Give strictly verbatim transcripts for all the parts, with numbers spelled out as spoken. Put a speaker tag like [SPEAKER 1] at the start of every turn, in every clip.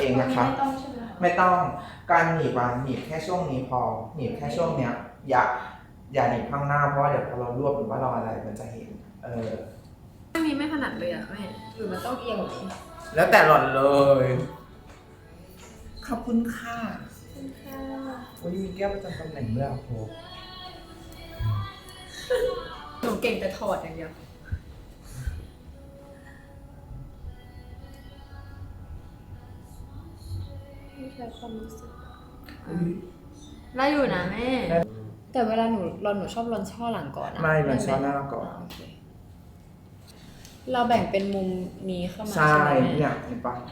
[SPEAKER 1] องนะคะไม่ต้องใช่ไหมไม่ต้องการหนีบอ่ะหนีบแค่ช่วงนี้พอหนีบแค่ช่วงเนี้ยอย่าอย่าหนีบข้างหน้าเพราะว่าเดี๋ยวพอเรารวบหรือว่าเราอะไรมันจะเห็นเออ
[SPEAKER 2] อันนี้ไม่ถนัดเลยอ่ะแม่หรือมันต้องเอียงแบบนี้
[SPEAKER 1] แล้วแต่หล่อนเลยขอบคุณค่ะวันนี้มีแก้วประจำตำแหน่งด้วยอ่ะโห
[SPEAKER 2] หนูเก่งแต่ถอดอย่างเดียวไม่ใช่ความรู้สึกได้อยู่นะแม่แต่เวลาหนูรอนหนูชอบรอนช่อหลังก่อนนะ
[SPEAKER 1] ไม่มันช่อหน้าก่อน
[SPEAKER 2] เราแบ่งเป็นมุมนี้เข้ามา
[SPEAKER 1] ใช่เนี่ยเห็นปะ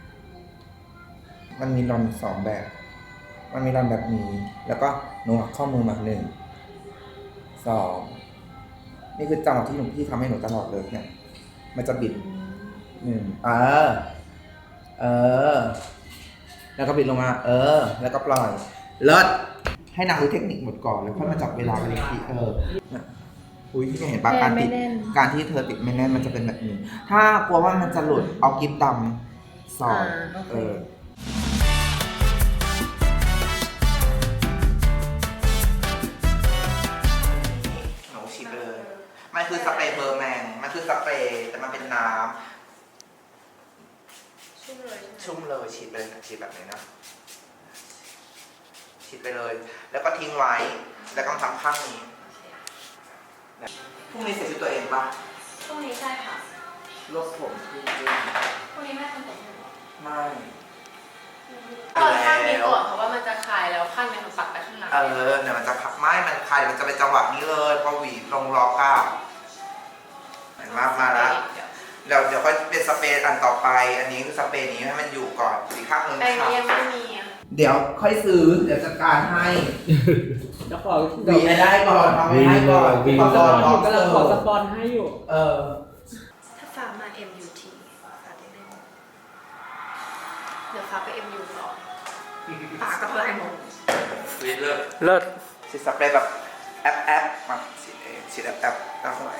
[SPEAKER 1] มันมีรอนสองแบบมันมีรอนแบบนี้แล้วก็หนูหักข้อมือมาหนึ่งสองนี่คือจังหวะที่หนูพี่ทำให้หนูตลอดเลยเนี่ยมันจะบิดหนึ่งเออเออแล้วก็บิดลงมาเออแล้วก็ปล่อยเลิศให้นางรู้เทคนิคหมดก่อนแล้วค่อยมาจับเวลากันอีกทีเอออุ้ยที่เห็นปะการติดการที่เธอติดไม่แน่นมันจะเป็นแบบนี้ถ้ากลัวว่ามันจะหลุดเอากิ๊บดำสอดเออหนูฉีดไปเลยมันคือสเปรย์เบอร์แมนมันคือสเปรย์แต่มันเป็นน้ำชุ่มเลยชุ่มเลยฉีดไปเลยฉีดแบบนี้นะฉีดไปเลยแล้วก็ทิ้งไว้แล้วก็ทำข้างนี้พรุ่งนี้เสร็จชุดตัวเองปะ
[SPEAKER 2] พรุ่งนี้ใช่ค่ะ
[SPEAKER 1] ลบผมขึ้นขึ้น
[SPEAKER 2] พรุ่งนี้แม่ทำผม
[SPEAKER 1] ไม่
[SPEAKER 2] ตอนข้างนี้ก่อนเพราะว่ามันจะคลายแล้วข้างนี้มันปักไปข้างหลัง
[SPEAKER 1] เออเนี่ยมันจะพักไม้มันคลายมันจะเป็นจังหวะนี้เลยพอหวีลงล็อกอ่ะเห็นมากมาแล้วเดี๋ยวเดี๋ยวค่อยเป็นสเปรย์อันต่อไปอันนี้คือสเปรย์นี้ให้มันอยู่ก่อนสีข้างนึง
[SPEAKER 2] แต่ยังไม่มี
[SPEAKER 1] เดี๋ยวค่อยซื้อเดี๋ยวจัดการให้
[SPEAKER 3] จะขอ
[SPEAKER 1] วีให้ได้ก่อนทำให้ก่อน
[SPEAKER 3] ขอสปอนกำลังขอสปอนให้อยู่
[SPEAKER 1] เออ
[SPEAKER 2] ถ้าฝากมา เอ็ม ยู ที ฝากได้ไหมเดี๋ยวฝากไป เอ็ม ยู ต่อฝากกับเพื่อนหมด
[SPEAKER 1] วีเลิศ
[SPEAKER 3] เลิศ
[SPEAKER 1] ฉีดสเปรย์แบบแอปแอปมาฉีดเองฉีดแอปแอปตั้งไว้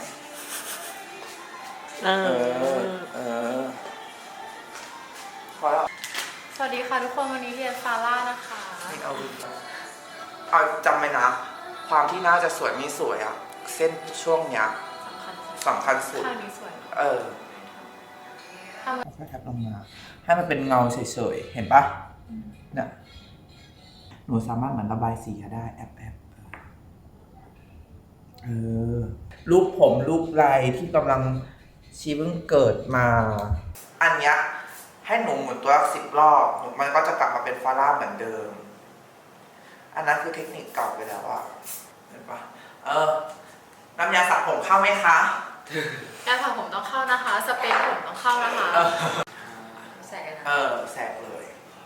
[SPEAKER 1] เออเออพอแล้ว
[SPEAKER 2] สวัสดีค่ะทุกคนวันนี้เรียนฟาร่านะคะ
[SPEAKER 1] นี่เอาเอาจำไว้นะความที่น่าจะสวยไม่สวยอ่ะเส้นช่วงเนี้ยสำคัญสุด
[SPEAKER 2] ข้างนี้สวย
[SPEAKER 1] เออค่อยๆแทบลงมาให้มันเป็นเงาเฉยๆเห็นปะเนี่ยหนูสามารถเหมือนระบายสีได้แอบแอบเออรูปผมรูปลายที่กำลังชีเพิ่งเกิดมาอันเนี้ยให้หนูหมุนตัวสิบรอบมันก็จะกลับมาเป็นฟาร่าเหมือนเดิมอันนั้นคือเทคนิคเก่าไปแล้วอะเห็นปะเออน้ำยาสระผมเข้าไหมคะ
[SPEAKER 2] ยาสระผมต้องเข้านะคะสเปรย์ผมต้องเข้านะคะแสกนะ
[SPEAKER 1] เออแสกเลย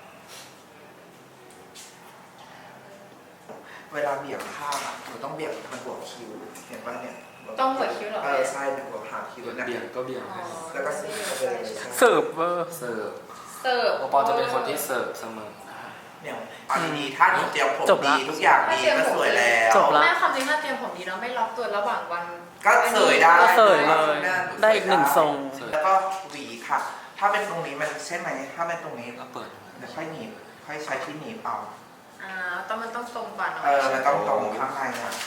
[SPEAKER 1] เวลาเบี่ยงข้างอะหนูต้องเบี่ยงมันหัวคิ้วเห็นปะเนี่ย
[SPEAKER 2] ต้องหัวคิ้วหรอ
[SPEAKER 1] เออใช่เป็นหัวหางคิ้วเนี่ย
[SPEAKER 3] เบี่ยงก็เบี่ยง
[SPEAKER 1] แล้วก็เสิร์ฟ
[SPEAKER 3] เสิร์ฟเวอร์
[SPEAKER 2] เสิร์ฟ
[SPEAKER 3] โอปอจะเป็นคนที่เสิร์ฟเสมอ
[SPEAKER 1] เนี่ยอันนี้ถ้าหนูเตรียมผมดีทุกอย่างดีก็สวยแล้ว
[SPEAKER 2] จบแล้วแม่ความจริงถ้าเตรียมผมดีแล้วไม่ล็อกตัวระหว่างวัน
[SPEAKER 1] ก็เสยได้
[SPEAKER 3] ก็เสยเลยได้อีกหนึ่งทรง
[SPEAKER 1] แล้วก็หวีค่ะถ้าเป็นตรงนี้มันใช่ไหมถ้าเป็นตรงนี้
[SPEAKER 3] ก็เปิด
[SPEAKER 1] เดี๋ยวค่อยหนีบค่อยใช้ที่หนีบเอา
[SPEAKER 2] อ่าต้องมันต้องตรงก่อน
[SPEAKER 1] เออมันต้องตรงข้างในอ่ะ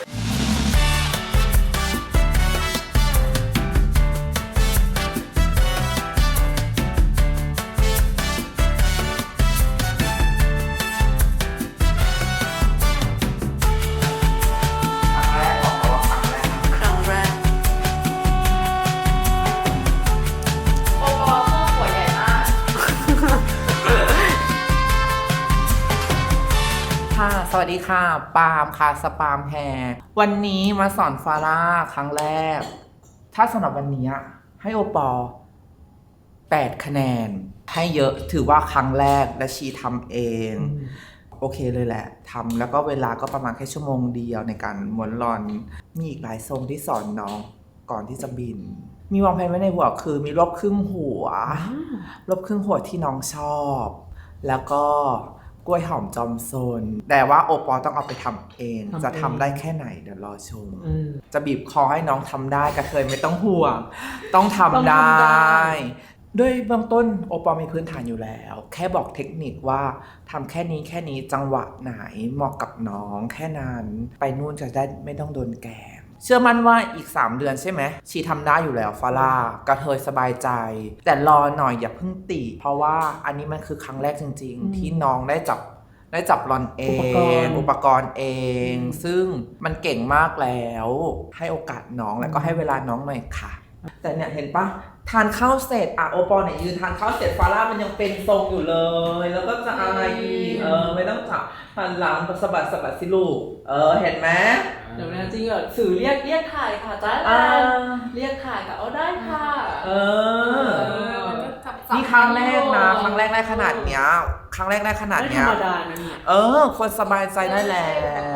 [SPEAKER 1] สวัสดีค่ะปาล์มค่ะสปาล์มแฮร์วันนี้มาสอนฟาร่าครั้งแรกถ้าสำหรับวันนี้ให้โอปอแปดคะแนนให้เยอะถือว่าครั้งแรกและชีทำเองโอเคเลยแหละทำแล้วก็เวลาก็ประมาณแค่ชั่วโมงเดียวในการม้วนรอนมีอีกหลายทรงที่สอนน้องก่อนที่จะบินมีวางแผนไว้ในหัวคือมีรอบครึ่งหัวรอบครึ่งหัวที่น้องชอบแล้วก็กล้วยหอมจอมโซนแต่ว่าโอปอต้องเอาไปทำเองจะทำได้แค่ไหนเดี๋ยวรอชมจะบีบคอให้น้องทำได้กระเทยไม่ต้องห่วงต้องทำได้ด้วยเบื้องต้นโอปอลมีพื้นฐานอยู่แล้ว แค่บอกเทคนิคว่าทำแค่นี้แค่นี้จังหวะไหนเหมาะกับน้องแค่นั้นไปนู่นจะได้ไม่ต้องโดนแกล้งเชื่อมั่นว่าอีกสามเดือนใช่ไหมชีทำได้อยู่แล้วฟาร่ากระเทยสบายใจแต่รอหน่อยอย่าเพิ่งติเพราะว่าอันนี้มันคือครั้งแรกจริงๆที่น้องได้จับได้จับรอนเองอุปกรณ์เอง ซึ่งมันเก่งมากแล้วให้โอกาสน้องแล้วก็ให้เวลาน้องหน่อยค่ะแต่เนี่ยเห็นปะทานข้าวเสร็จอ่ะโอปอลเนี่ยยืนทานข้าวเสร็จฟาร่ามันยังเป็นทรงอยู่เลย แล้วก็จะอะไรอีกเออไม่ต้องจับหันหลังสะบัดสะบัดสิลูกเออเห็นไหม
[SPEAKER 3] เดี๋ยวนะจริงเหรอสื่อเรียกเรียกถ่ายค่ะจ้าเรียกถ่ายกับเอาได้ค่ะ
[SPEAKER 1] เออนี่ครั้งแรกนะครั้งแรกได้ขนาดเนี้ยครั้งแรกได้ขนาดเนี้ย
[SPEAKER 3] ไม่ธรรมดานะเนี่ย
[SPEAKER 1] เออคนสบายใจได้แล้ว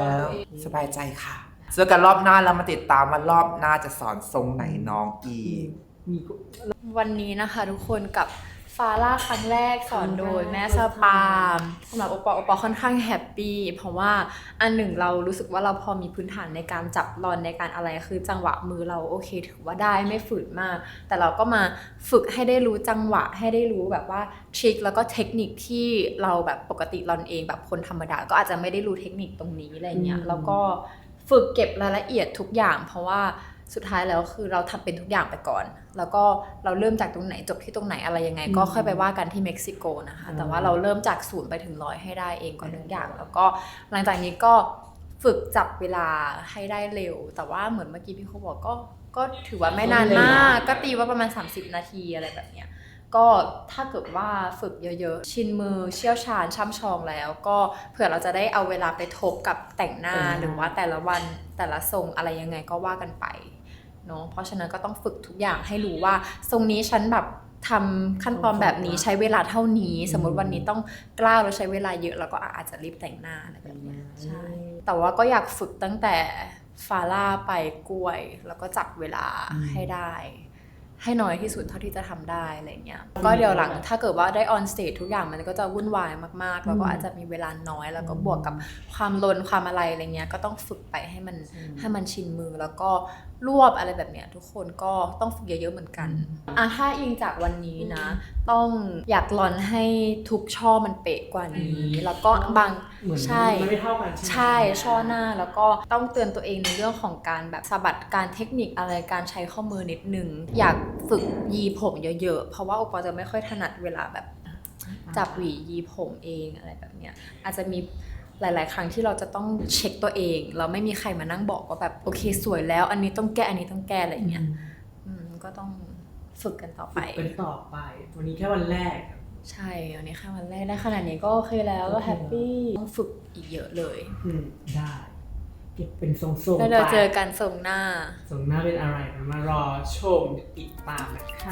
[SPEAKER 1] สบายใจค่ะเจอกันรอบหน้าแล้วมาติดตามว่ารอบหน้าจะสอนทรงไหนน้องอีก
[SPEAKER 2] วันนี้นะคะทุกคนกับฟาร่าครั้งแรกสอนโดยแม่สปามสำหรับโอปอโอปอค่อนข้างแฮปปี้เพราะว่าอันหนึ่งเรารู้สึกว่าเราพอมีพื้นฐานในการจับรอนในการอะไรคือจังหวะมือเราโอเคถือว่าได้ไม่ฝืนมากแต่เราก็มาฝึกให้ได้รู้จังหวะให้ได้รู้แบบว่าทริคแล้วก็เทคนิคที่เราแบบปกติรอนเองแบบคนธรรมดาก็อาจจะไม่ได้รู้เทคนิคตรงนี้อะไรเงี้ยแล้วก็ฝึกเก็บรายละเอียดทุกอย่างเพราะว่าสุดท้ายแล้วคือเราทำเป็นทุกอย่างไปก่อนแล้วก็เราเริ่มจากตรงไหนจบที่ตรงไหนอะไรยังไงก็ค่อยไปว่ากันที่เม็กซิโกนะคะแต่ว่าเราเริ่มจากศูนย์ไปถึงร้อยให้ได้เองก่อนทุกอย่างแล้วก็หลังจากนี้ก็ฝึกจับเวลาให้ได้เร็วแต่ว่าเหมือนเมื่อกี้พี่เขาบอกก็ก็ถือว่าไม่นานมากก็ตีว่าประมาณสามสิบนาทีอะไรแบบเนี้ยก็ถ้าเกิดว่าฝึกเยอะๆชินมือเชี่ยวชาญช่ำชองแล้วก็เผื่อเราจะได้เอาเวลาไปทบกับแต่งหน้าหรือว่าแต่ละวันแต่ละทรงอะไรยังไงก็ว่ากันไปเนาะเพราะฉะนั้นก็ต้องฝึกทุกอย่างให้รู้ว่าทรงนี้ฉันแบบทำขั้นตอนแบบนี้ใช้เวลาเท่านี้สมมติวันนี้ต้องกล้าวแล้วใช้เวลาเยอะแล้วก็อาจจะรีบแต่งหน้าอะไรแบบนี้ใช่แต่ว่าก็อยากฝึกตั้งแต่ฟาร่าไปกล้วยแล้วก็จับเวลาให้ได้ให้น้อยที่สุดเท่าที่จะทำได้อะไรเงี้ยก็เดี๋ยวหลังถ้าเกิดว่าได้ออนสเตจทุกอย่างมันก็จะวุ่นวายมากๆแล้วก็อาจจะมีเวลาน้อยแล้วก็บวกกับความลนความอะไรอะไรเงี้ยก็ต้องฝึกไปให้มันให้มันชินมือแล้วก็รวบอะไรแบบเนี้ยทุกคนก็ต้องฝึกเยอะๆเหมือนกันอ่ะถ้าอิงจากวันนี้นะต้องอยากลอนให้ทุกช่อมันเป๊ะกว่านี้แล้วก็บางใช่ไม่เท่ากันใช่ช่อหน้าแล้วก็ต้องเตือนตัวเองในเรื่องของการแบบสะบัดการเทคนิคอะไรการใช้ข้อมือนิดนึงอยากฝึกยีผมเยอะๆเพราะว่าโอปอจะไม่ค่อยถนัดเวลาแบบจับหวียีผมเองอะไรแบบเนี้ยอาจจะมีหลายๆครั้งที่เราจะต้องเช็คตัวเองเราไม่มีใครมานั่งบอกว่าแบบโอเคสวยแล้วอันนี้ต้องแก้อันนี้ต้องแก้อะไรเงี้ยก็ต้องฝึกกันต่อไป
[SPEAKER 3] เป็นต่อไปวันนี้แค่วันแรก
[SPEAKER 2] ใช่วันนี้แค่วันแรกได้ขนาดนี้ก็โอเคแล้วก็แฮปปี้ต้องฝึกอีกเยอะเลย
[SPEAKER 3] อืมได้เก็บเป็นทรงๆ
[SPEAKER 2] แล้วเราเจอกันทรงหน้า
[SPEAKER 3] ทรงหน้าเป็นอะไรมารอชมติดตามนะคะ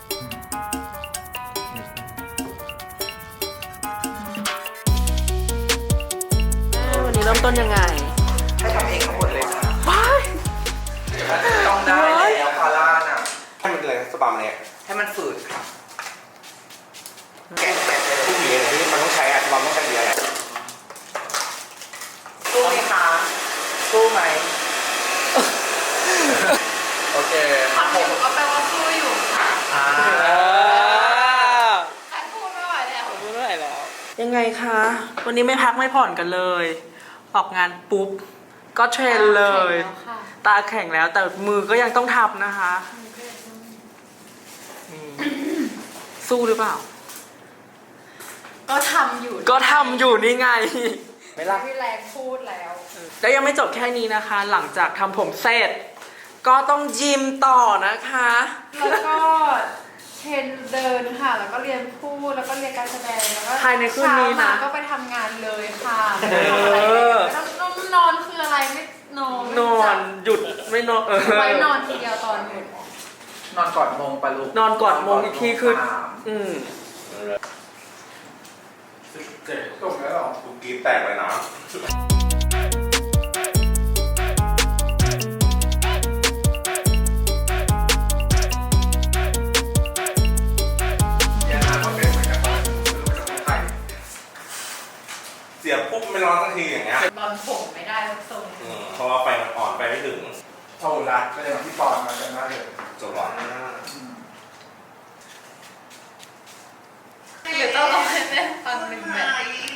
[SPEAKER 3] วันนี้เริ่มต้นยังไง
[SPEAKER 1] ให้ทำเองทั้งหมดเลยค่ะต้องได้แล้วฟาร่าน่ะ
[SPEAKER 4] ให้มันเลยสปามันเนี่ย
[SPEAKER 1] ให้มันฝืดค่ะ
[SPEAKER 4] แกะแกะผู้หญิงเนี่ยที่มันต้องใช้อะสปาต้องใช้เยอะแหละ
[SPEAKER 1] สู้ไหมคะสู้ไหมโอเค
[SPEAKER 2] ทำอยู่ก็แปลว่าสู้อยู่ค่ะ
[SPEAKER 1] อ่า
[SPEAKER 2] ใครพูดไม่ไหวแล้ว
[SPEAKER 3] พูดไม่ไหวแล้วยังไงคะวันนี้ไม่พักไม่ผ่อนกันเลยออกงานปุ๊บก็เทรนเลยตาแข็งแล้วแต่มือก็ยังต้องทำนะคะสู้หรือเปล่า
[SPEAKER 2] ก็ทำอยู่
[SPEAKER 3] ก็ทำอยู่นี่ไง
[SPEAKER 2] ไม่รักพี่แรงพูดแล้ว
[SPEAKER 3] แล้วยังไม่จบแค่นี้นะคะ หลังจากทำผมเสร็จก็ต้องยิมต่อนะคะ
[SPEAKER 2] แล้วก็เทรนเดินค่ะแล้วก็เรียนพูดแล้วก็เรียนการแสดงแล้วก็
[SPEAKER 3] ภายในคืนนี้นะ
[SPEAKER 2] ก็ไปทำงานเลยค่ะไม่ต้องนอนคืออะไรไม่นอน
[SPEAKER 3] นอนหยุดไม่นอนเออ
[SPEAKER 2] ไว้นอนทีเดียวตอนหยุด
[SPEAKER 1] นอนกอดมงปะลูก
[SPEAKER 3] นอนกอดมงอีกทีคืออืม
[SPEAKER 4] เจ็บตรงนี้หรอกูกีบแตกเลยนะเสียบปุ๊บไม่ร้อนสักทีอย่างเงี้ย
[SPEAKER 2] นอนผมไม่ได้ทุกทรง
[SPEAKER 4] เพราะว่าไฟมันอ่อนไปไม่ถึง
[SPEAKER 1] เท่ารัดก็เลยที่ปอนมากันมากเลย
[SPEAKER 4] จบหรอ
[SPEAKER 2] ได้ฟังหนึ่งแบบ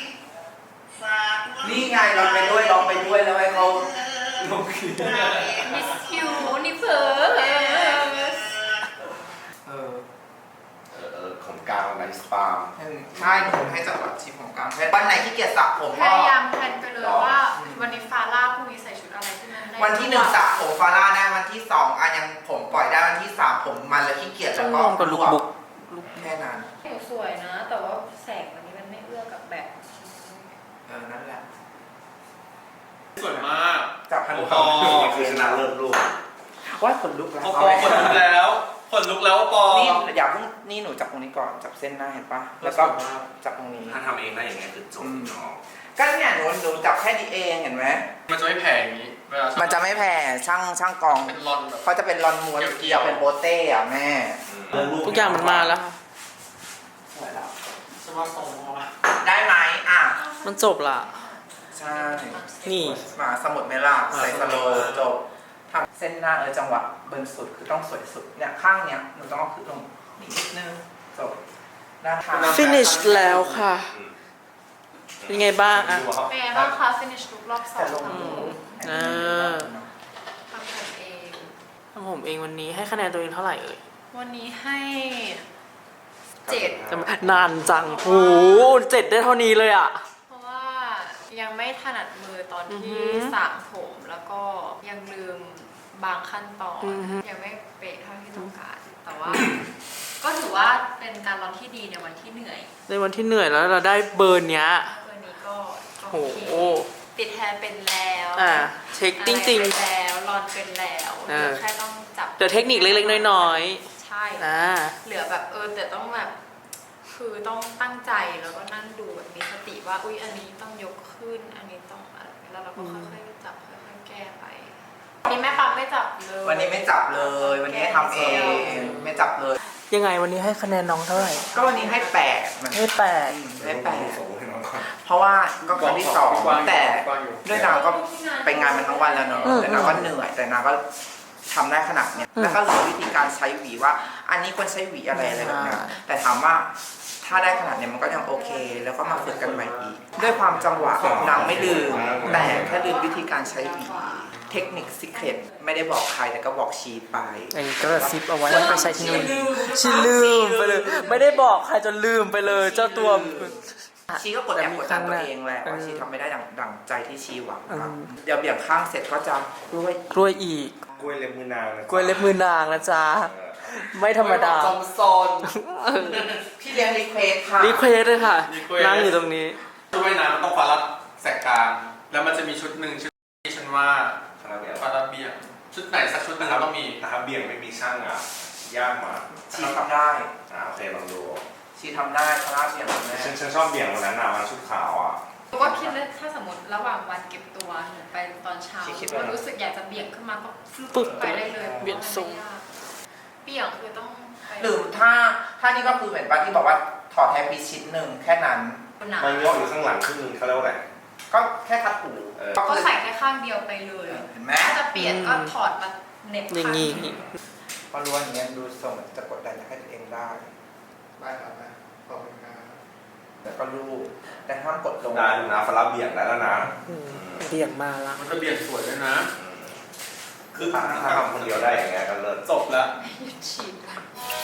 [SPEAKER 1] นี่ไงร้องไปด้วยร้องไปด้วยแล้วให้เขาลงคีย์
[SPEAKER 2] มิสคิวนิเพิร์
[SPEAKER 1] เออ
[SPEAKER 4] เออเออของกลางไนสปาล์ม
[SPEAKER 1] ใช่ผมให้จังหวัดชิปของกลางแพทย์วันไหนที่เกียรสระผม
[SPEAKER 2] พ
[SPEAKER 1] ก็
[SPEAKER 2] ยายามแพลนไปเลยว่าวันนี้ฟาร่าพรุ่งนี้ใส่ชุดอะไรที่มันได้
[SPEAKER 1] วันที่หนึ่งสระผมฟาร่าได้วันที่สองอ่ะยังผมปล่อยได้วันที่สามผมมันแล้วขี้เกียจแล้วก็
[SPEAKER 3] ต้องลองกับลุคบุ๊ก
[SPEAKER 1] ลุกแค่นั้น
[SPEAKER 2] หนูสวยนะ แต่ว่าแสงวันนี้มันไม่เอื้อกับแบบ
[SPEAKER 1] เออนั่นแหละ
[SPEAKER 5] สวยมาก
[SPEAKER 1] จับพัน
[SPEAKER 5] โอ้
[SPEAKER 1] ค
[SPEAKER 5] โห
[SPEAKER 1] อ
[SPEAKER 4] คือชนะเลิศลูก
[SPEAKER 1] ว่าขนลุกแล้ว
[SPEAKER 5] โอปอขนลุกแล้วขนลุกแล้วโอปอ
[SPEAKER 1] นี่อย่าเพิ่งนี่หนูจับตรงนี้ก่อนจับเส้นหน้าเห็นปะแล้วก็จับตรงนี้
[SPEAKER 4] ถ้าทำเองได้อย่างเงี้ยคือจบเนาะ
[SPEAKER 1] ก็เนี่ยหนูหนูจับแค่นี้เองเห็นไหม
[SPEAKER 5] มันจะไม่แผ่อย่างนี้เวลา
[SPEAKER 1] มันจะไม่แผ่ช่างช่างกอง
[SPEAKER 5] เป็นรอนแบบ
[SPEAKER 1] เขาจะเป็นรอนม้วน
[SPEAKER 5] เกี่
[SPEAKER 1] เกี่ย
[SPEAKER 5] ยว วๆ
[SPEAKER 1] เป็นโบเต้อะแม่
[SPEAKER 3] ทุกอย่างมันมาแล้วค่ะ
[SPEAKER 1] สวยแล้ว
[SPEAKER 5] สว่าทรงว่า
[SPEAKER 1] ได้ไหมอ่ะ
[SPEAKER 3] มันจบละ
[SPEAKER 1] ใช่
[SPEAKER 3] นี่
[SPEAKER 1] มาสมุดเมล่าใส่สโลว์จบทำเส้นหน้าเออจังหวะเบิร์นสุดคือต้องสวยสุดเนี่ยข้างเนี้ยหนูต้องเอาขึ้นลงนิดนึงจบด้านข้าง
[SPEAKER 3] finish แล้วค่ะ เป็นไงบ้างอะ
[SPEAKER 2] เป็นไงบ้างคะ finish look รอบสอ
[SPEAKER 1] แต่
[SPEAKER 2] ง
[SPEAKER 1] ลง
[SPEAKER 2] ท
[SPEAKER 1] ดู
[SPEAKER 3] อ่า
[SPEAKER 2] ำผมเอง
[SPEAKER 3] ทำผมเองวันนี้ให้คะแนนตัวเองเท่าไหร่เอ่ย
[SPEAKER 2] วันนี้ให้เจ็ด
[SPEAKER 3] จำนานจังโอ้โหเจ็ดได้เท่านี้เลยอ่ะ
[SPEAKER 2] เพราะว่ายังไม่ถนัดมือตอน
[SPEAKER 3] อือหื
[SPEAKER 2] ที่
[SPEAKER 3] อ
[SPEAKER 2] สระผมแล้วก็ยังลืมบางขั้นตอน
[SPEAKER 3] อือหือ
[SPEAKER 2] ยังไม่เป๊ะเท่าที่ต้องการ แต่ว่า ก็ถือว่าเป็นการร้องที่ดีในวันที่เหนื่อย
[SPEAKER 3] ในวันที่เหนื่อยแล้วเราได้เบิร์นเนี้ย
[SPEAKER 2] วันนี้ก็ก็
[SPEAKER 3] โอ้
[SPEAKER 2] โอ
[SPEAKER 3] โห
[SPEAKER 2] เคติดแฮร์เป็นแล้ว
[SPEAKER 3] อ่าเช็คจริง
[SPEAKER 2] อะไรเป็นแล้วรอนเป็นแล้ว
[SPEAKER 3] เอ
[SPEAKER 2] เหลื
[SPEAKER 3] อ
[SPEAKER 2] อแค่ต้องจับ
[SPEAKER 3] ๆเดี๋ยวเทคนิคเล็กๆน้อย
[SPEAKER 2] ใช่
[SPEAKER 3] ๆอ่า
[SPEAKER 2] เหลือแบบเออแต่ต้องแบบคือต้องตั้งใจแล้วก็นั่งดูแบบมีสติว่าอุ้ยอันนี้ต้องยกขึ้น อันนี้ต้องอะไรแล้วเราก็ค่อยๆจับค่อยๆแก้ไปวันนี้แม่ปั๊มไม่จับเลย
[SPEAKER 1] วันนี้ไม่จับเลย วันนี้ให้ทำเองไม่จับเลย
[SPEAKER 3] ยังไงวันนี้ให้คะแนนน้องเท่าไหร่
[SPEAKER 1] ก็วันนี้ให้แปดมัน
[SPEAKER 3] ให้แปด
[SPEAKER 1] ให้แปด
[SPEAKER 4] ส่งให้น้องก่อน
[SPEAKER 1] เพราะว่าก็ครั้งที่สองแต่
[SPEAKER 5] กว้างอยู่
[SPEAKER 1] ด้วยนางก็ไปงานมันทั้งวันแล้วเนอะ
[SPEAKER 3] อืม
[SPEAKER 1] แต่นางก็เหนื่อยแต่นางก็ทำได้ขนาดเนี้ย
[SPEAKER 3] อืม
[SPEAKER 1] แล้วก็รู้วิธีการใช้หวีว่า อันนี้ควรใช้หวีอะไรอะไรแบบเนี้ย
[SPEAKER 3] อ่า
[SPEAKER 1] แต่ถามว่าถ้าได้ขนาดเนี้ยมันก็ยังโอเค แล้วก็มาฝึกกันใหม่อีก ด้วยความจังหวะนางไม่ลืม แต่แค่ลืมวิธีการใช้หวีเทคนิคซิเครตไม่ได้บอกใครแต่ก็บอกชีไป
[SPEAKER 3] ไอ้ก็แบบซิปเอาไว้แล้วไปใช้ที่นู่นชีลืมไปเลย ไม่ได้บอกใครจนลืมไปเลยเจ้าตัว
[SPEAKER 1] ชีก็กดแอบกดดันตัวเองแหละว่าชีทำไม่ได้ดังดังใจที่ชีหวังครับเดี๋ยวเบี่ยงข้างเสร็จก็จะด้วย
[SPEAKER 3] กล้วยอีก
[SPEAKER 4] กล้วยเล็บมือนางนะ
[SPEAKER 3] กล้วยเล็บมือนางนะจ๊ะ ไม่ธรรมดา
[SPEAKER 5] จอมซน
[SPEAKER 1] พี่เลี้ยงรีเควสค่ะ
[SPEAKER 3] รีเควสเลยค่ะ
[SPEAKER 5] request
[SPEAKER 3] นั่งอยู่ตรงนี้
[SPEAKER 5] ชุดว่ายน้ำมันต้องฟ้ารัดแสกกลาง แล้วมันจะมีชุดหนึ่งชุดที่ฉันว่า
[SPEAKER 4] คาราเมล
[SPEAKER 5] ฟ้ารัดเบี่ยงชุดไหนสักชุดหนึ่งเราต้องมี
[SPEAKER 4] นะครับเบี่ยงไม่มีช่างอ่ะ ยากมาก
[SPEAKER 1] ชีทำได้
[SPEAKER 4] อ่าโอเคลองดู
[SPEAKER 1] ชีทำได้พระราชเบี่ยงแม่
[SPEAKER 4] ฉันฉันชอบเบี่ยงวันนั้นอ่ะวันชุดขาวอ่ะ
[SPEAKER 2] เพราะว่าคิดเลยถ้าสมมติระหว่างวันเก็บตัวหนูไปตอนเช้าก็รู้สึกอยากจะเบี่ยงขึ้นมาก็ฟึบ
[SPEAKER 3] ปึ๊บ
[SPEAKER 2] ไปได้เลย
[SPEAKER 3] เบี่ยงทรง
[SPEAKER 2] เบี่ยงคือต้องไป
[SPEAKER 1] หรือถ้าถ้านี่ก็คือเหมือนป้าที่บอกว่าถอดแทปปีชิ้นหนึ่งแค่นั้น
[SPEAKER 2] หนา
[SPEAKER 4] มันงอกอยู่ข้างหลังครึ่งนึงเขาเรียกว่าอะไร
[SPEAKER 1] ก็แค่ทัดหู
[SPEAKER 4] เออ
[SPEAKER 1] ก็
[SPEAKER 2] ก็
[SPEAKER 1] คือ
[SPEAKER 2] ใส่แค่ข้างเดียวไปเลย
[SPEAKER 1] เห็นไหม
[SPEAKER 2] ถ้าจะเปลี่ยนก็ถอดมาเหน็บ
[SPEAKER 3] อย่าง
[SPEAKER 2] นี้
[SPEAKER 3] นี้
[SPEAKER 1] พอรู้ว่าอย่างเงี้ยดูทรงจะกดดันให้ตัวเองได้
[SPEAKER 5] ได้ครับได้ขอบคุณครับ
[SPEAKER 1] แต่ก็รูปแต่ห้ามกดลง
[SPEAKER 4] ได้ดูนะฟาราเบี่ยงได้แล้วนะ
[SPEAKER 3] อืมเบี่ยงมาละ
[SPEAKER 5] มันจะเบี่ยงสวยด้วยนะ
[SPEAKER 4] คือถ้าทำคนเดียวได้อย่างเงี้ยก็เลิศ
[SPEAKER 5] จบแล้ว
[SPEAKER 2] หยุดฉีดก่อน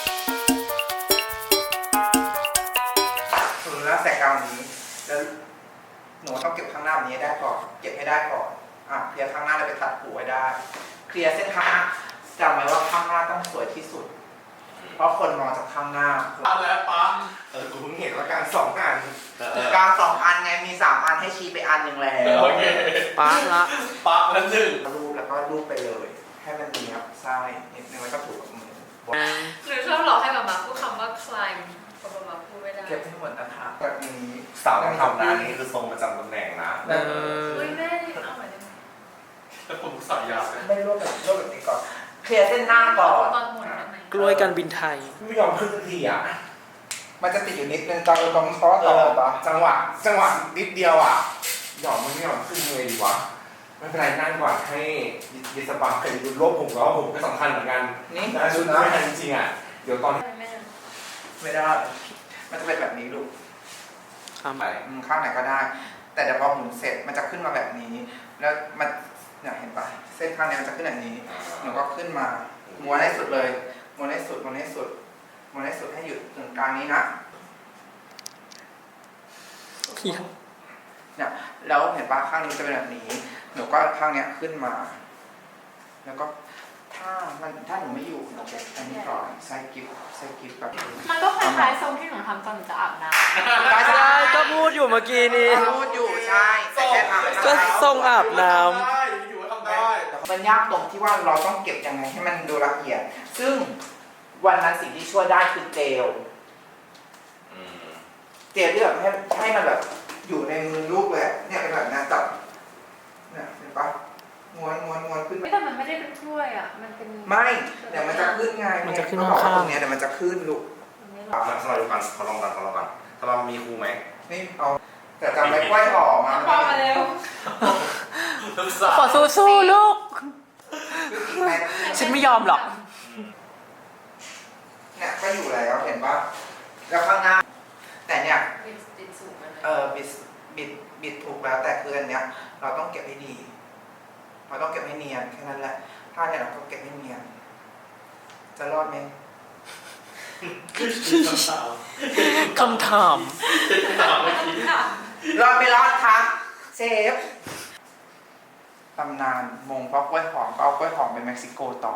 [SPEAKER 1] คือแล้วแสกกลางนี้แล้วหนูต้องเก็บข้างหน้าแบบนี้ให้ได้ก่อนเก็บให้ได้ก่อนอ่ะเคลียร์ข้างหน้าแล้วไปตัดหูไว้ได้ เคลียร์เส้นข้างหน้าจำไว้ว่าข้างหน้าต้องสวยที่สุด เพราะคนมองจากข้างหน้า
[SPEAKER 5] เอาแล้วป๊า
[SPEAKER 4] เออกูเพิ่งเห็นว่าการสองอันเออก
[SPEAKER 1] ลางสองอันไงมีสามอันให้ชี้ไปอันหนึ่งแล้ว
[SPEAKER 5] โอเค
[SPEAKER 3] ป๊าละ
[SPEAKER 5] ป๊าแล้วหนึ่ง
[SPEAKER 1] รูปแล้วก็รูปไปเลย ให้มันมีครับไส้นิดนึงแล้วก็ถูกับมือ
[SPEAKER 2] หรือชอบหลอกให้มามาพูดคำว่า climb พอมามาพูดไม่ได้
[SPEAKER 1] เก็บให้หมดนะคะแบบนี้
[SPEAKER 4] สาวต้องทำนะนี่คือทรงประจำตำแหน่งนะ
[SPEAKER 3] เออ
[SPEAKER 2] เฮ้ยแม่เอาใหม่ได้ไหม
[SPEAKER 5] แล้วผมสายยาวเลย
[SPEAKER 1] ไม่รวบแบบรวบแบบนี้ก่อนเคลียร์เส้นหน้าก่อน
[SPEAKER 2] ตอนหมดได้ไหม
[SPEAKER 3] กล้วยการบินไทย
[SPEAKER 4] ไม่ยอมขึ้นสักทีอ่ะ
[SPEAKER 1] มันจะติดอยู่นิดนึงตอนตรงข้อต่อปะ
[SPEAKER 4] จังหวะจังหวะนิดเดียวอ่ะยอมมันไม่ยอมขึ้นเลยดีวะไม่เป็นไรนั่งก่อนให้ยิสปาเคยดูโลกผมแล้วผมก็สำคัญเหมือนกัน
[SPEAKER 1] นี่
[SPEAKER 4] แต่ชุดไม่ทันจริงๆอ่ะเดี๋ยวตอน
[SPEAKER 2] ไม่ได้
[SPEAKER 1] ไม่ได้ มันจะเป็นแบบนี้ลูก
[SPEAKER 3] ครับ
[SPEAKER 5] ไป
[SPEAKER 1] อืมข้างไหนก็ได้ แต่เดี๋ยวพอหมุนเสร็จมันจะขึ้นมาแบบนี้ แล้วมันเนี่ยเห็นปะเส้นข้างเนี้ยมันจะขึ้นแบบนี้หนูก็ขึ้นมาม้วนให้สุดเลยม้วนให้สุดม้วนให้สุดม้วนให้สุดให้หยุดตรงกลางนี้นะเนี่ยแล้วเห็นปะข้างนี้จะเป็นแบบนี้ หนูก็ข้างเนี้ยขึ้นมา แล้วก็ถ้ามันถ้าหนูไม่อยู่หนูเก็บอันนี้ก่อนใส่กิฟใส่กิฟแบบ
[SPEAKER 2] มันก็คล้ายๆทรงที่หนูทำตอนหนูจะอาบน้ำ
[SPEAKER 3] ใช่ก็พูดอยู่เมื่อกี้นี้
[SPEAKER 1] พูดอยู่ใช่แต่แค่ทำ
[SPEAKER 3] ก็ทรงอาบน้
[SPEAKER 5] ได้อยู่ว่าทำได้
[SPEAKER 1] มันยากตรงที่ว่าเราต้องเก็บยังไงให้มันดูละเอียด ซึ่งวันนั้นสิ่งที่ช่วยได้คือเจล
[SPEAKER 5] อืม
[SPEAKER 1] เจลที่แบบให้ให้มันแบบอยู่ในมือลูกเลยอะเนี่ยเป็นแบบนั้นจับเนี่ยเห็นปะม้วนม้วนม้วนขึ้น
[SPEAKER 2] ไม่แต่มันไม่ได้เป็นถ้วยอ่ะ มันเป็น
[SPEAKER 1] ไม่เดี๋ยวมันจะขึ้นไง
[SPEAKER 3] มันจะขึ้น
[SPEAKER 1] เขบอกว่
[SPEAKER 3] ข้างๆ
[SPEAKER 1] ตรงเนี้ยเดี๋ยวมันจะขึ้นลูก
[SPEAKER 2] มันไม่หร
[SPEAKER 5] อ่ะ
[SPEAKER 2] อก
[SPEAKER 5] สลับกันขอลองกันขอลองกันสลับมีครูไหม
[SPEAKER 1] นี่เอาแต่จำไม่ค่อยออกมา
[SPEAKER 2] พอมาเร็ว
[SPEAKER 3] ำขอสู้ๆลูก ฉันไม่ยอมหรอก
[SPEAKER 1] เนี่ยก็อยู่แล้วเห็นปะแล้วข้างหน้า แต่เนี่ย
[SPEAKER 2] บิดบิดสูงมันเลย
[SPEAKER 1] เออบิดบิดบิดถูกแล้วแต่คืออันเนี้ยเราต้องเก็บให้ดีเราต้องเก็บให้เนียนแค่นั้นแหละถ้าเนี่ยเราก็เก็บให้เนียน จะรอดไหม
[SPEAKER 3] คำถาม
[SPEAKER 1] รอดไม่รอดคะเชฟตำนานมงเพราะกล้วยหอมก็เอากล้วยหอมไปเม็กซิโกต่อ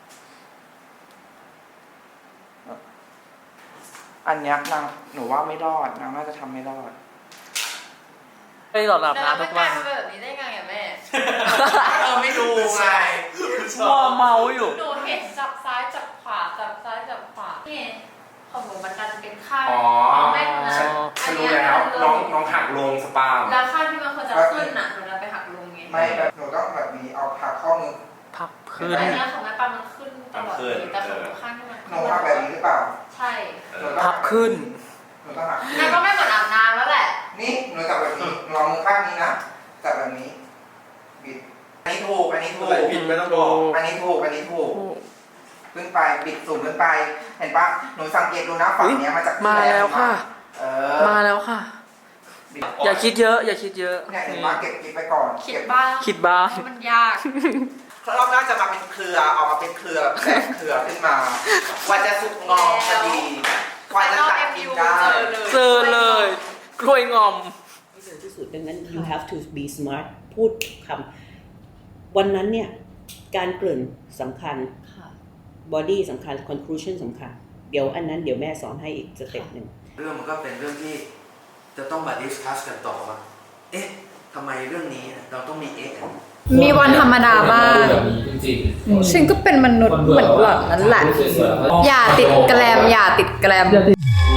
[SPEAKER 1] อันเนี้ยนางหนูว่าไม่รอดนางน่าจะทำไม่รอด
[SPEAKER 3] ไปหลอดอาบ
[SPEAKER 2] แล้ว
[SPEAKER 3] น้ำ
[SPEAKER 2] มั
[SPEAKER 3] ทุ
[SPEAKER 2] น
[SPEAKER 3] ก
[SPEAKER 2] กลา
[SPEAKER 3] วั
[SPEAKER 2] ย
[SPEAKER 3] น
[SPEAKER 2] เป็นแบบนี้ได้ไงอ่ะแม่
[SPEAKER 1] เออไม่ดูไง
[SPEAKER 3] มัวเมาอยู่
[SPEAKER 2] หนูเห็นจับซ้ายจับขวาจับซ้ายจับขวานี่ของหนูมันการจะเป็นข้าง
[SPEAKER 5] อ๋อ
[SPEAKER 2] ของแม่นะ
[SPEAKER 5] ฉันฉันรู้แล้วน้องน้องหักลงสปาม
[SPEAKER 2] แล้วข้างที่มันควรจะขึ้นน่ะหนูจะไปหักลงไง
[SPEAKER 1] ไม่แบบหนูต้องแบบนี้เอาหักข้อมือ
[SPEAKER 3] พับพื้น
[SPEAKER 2] อันเนี้ยของแม่ปามันขึ้นตลอดเลยแต่ของหนูข้างที่มัน
[SPEAKER 1] หนูหักแบบนี้หรือเปล่า
[SPEAKER 2] ใช่
[SPEAKER 1] หนูต้อง
[SPEAKER 3] พับขึ้น
[SPEAKER 1] หนูต้องหัก
[SPEAKER 2] นั่นก็ไม่เหมือนอาบน้ำแล้วแหละ
[SPEAKER 1] นี่หนูจับแบบนี้หนูเอามือข้างนี้นะจับแบบนี้บิดอันนี้ถูกอันนี้ถูก
[SPEAKER 5] อะไรผิดไม่ต้องบอก
[SPEAKER 1] อันนี้ถูกอันนี้ถูกขึ้นไปบิดสูงขึ้นไป เห็นปะหนูสังเกตดูนะฝั่งเนี้ยมันจะขึ้น
[SPEAKER 3] มาแล้วค่ะ
[SPEAKER 1] เออ
[SPEAKER 3] มาแล้วค่ะ
[SPEAKER 1] บิด
[SPEAKER 3] อย่าคิดเยอะ อย่าคิดเยอะ
[SPEAKER 1] เนี่ยเห็นปะเก็บกิบไปก่อน
[SPEAKER 2] คิด
[SPEAKER 1] เก็บ
[SPEAKER 2] บ้าง
[SPEAKER 3] คิดบ้าง
[SPEAKER 2] เพราะมันยาก
[SPEAKER 1] รอบหน้าจะมาเป็นเครือเอามาเป็นเครือแตกเครือขึ้นมากว่าจะสุกงอมพอดีกว่าจะตัดกินได้
[SPEAKER 3] เจอเลย กล้วยงอม
[SPEAKER 6] ที่เร็วที่สุดดังนั้น you have to be smart พูดคำวันนั้นเนี่ยการเกริ่นสำคัญ body สำคัญ conclusion สำคัญ เดี๋ยวอันนั้นเดี๋ยวแม่สอนให้อีกสเต็ปหนึ่ง
[SPEAKER 7] เรื่องมันก็เป็นเรื่องที่จะต้องมาดิสคัสกันต่อว่า เอ๊ะทำไมเรื่องนี้เราต้องมีเอ๊ะ
[SPEAKER 2] มีวันธรรมดาบ้าง
[SPEAKER 8] แบบนี้จริงๆ
[SPEAKER 2] ฉันก็เป็นมนุษย์เหมือนหล่อนนั่นแหละ อย่าติดแกลมอย่าติดแกลม